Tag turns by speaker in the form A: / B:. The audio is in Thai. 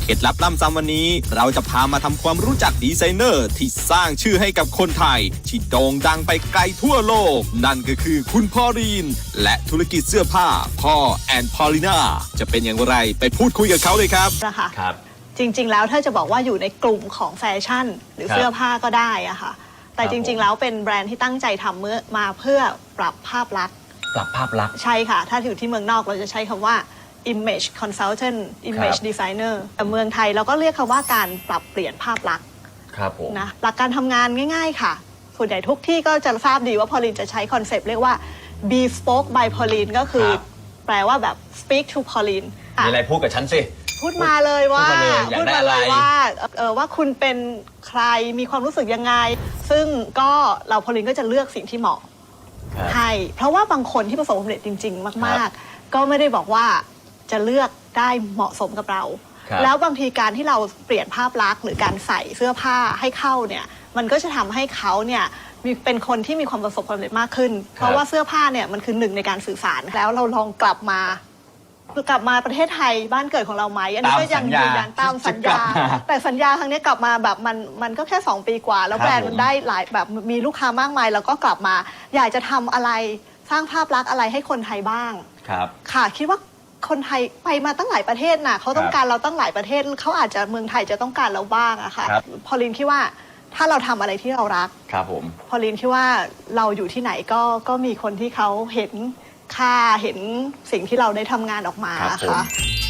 A: เคล็ดลับล้ำซ้ำวันนี้เราจะพามาทำความรู้จักดีไซเนอร์ที่สร้างชื่อให้กับคนไทยที่โด่งดังไปไกลทั่วโลกนั่นก็คือคุณพอลีนและธุรกิจเสื้อผ้าพ่อแอนพอลิน่าจะเป็นอย่างไรไปพูดคุยกับเขาเลยครับ
B: ครับจริงๆแล้วถ้าจะบอกว่าอยู่ในกลุ่มของแฟชั่นหรือเสื้อผ้าก็ได้อะค่ะแต่จริงๆแล้วเป็นแบรนด์ที่ตั้งใจทำมาเพื่อปรับภาพลักษณ์ใช่ค่ะถ้าอยู่ที่เมืองนอกเราจะใช้คำว่า image consultant image designer แต่เมืองไทยเราก็เรียกคำว่าการปรับเปลี่ยนภาพลักษณ์นะหลักการทำงานง่ายๆค่ะส่วนใหญ่ทุกที่ก็จะทราบดีว่าพอลินจะใช้คอนเซปต์เรียกว่า bespoke by Pauline ก็คือแปลว่าแบบ speak to Pauline
C: มีอะไรพูดกับฉันสิ
B: พูดมาเลยว่าว่าคุณเป็นใครมีความรู้สึกยังไงซึ่งก็เราพอลินก็จะเลือกสิ่งที่เหมาะให้เพราะว่าบางคนที่ประสบความสำเร็จจริงๆมากๆก็ไม่ได้บอกว่าจะเลือกได้เหมาะสมกับเราแล้วบางทีการที่เราเปลี่ยนภาพลักษณ์หรือการใส่เสื้อผ้าให้เข้าเนี่ยมันก็จะทำให้เขาเนี่ยเป็นคนที่มีความประสบความสำเร็จมากขึ้นเพราะว่าเสื้อผ้าเนี่ยมันคือหนึ่งในการสื่อสารแล้วเราลองกลับมาประเทศไทยบ้านเกิดของเราไหมอันนี้ก็ยังยืนยันตามสัญญาแต่สัญญาครั้งนี้กลับมาแบบมันก็แค่2 ปีกว่าแล้วแบรนด์มันได้หลายแบบมีลูกค้ามากมายแล้วก็กลับมาอยากจะทำอะไรสร้างภาพลักษณ์อะไรให้คนไทยบ้างค่ะคิดว่าคนไทยไปมาตั้งหลายประเทศน่ะเขาต้องการเราตั้งหลายประเทศเขาอาจจะเมืองไทยจะต้องการเราบ้างอะค่ะพอลินคิดว่าถ้าเราทำอะไรที่เรารักพอลินคิดว่าเราอยู่ที่ไหนก็มีคนที่เขาเห็นค่าเห็นสิ่งที่เราได้ทำงานออกมาค่ะ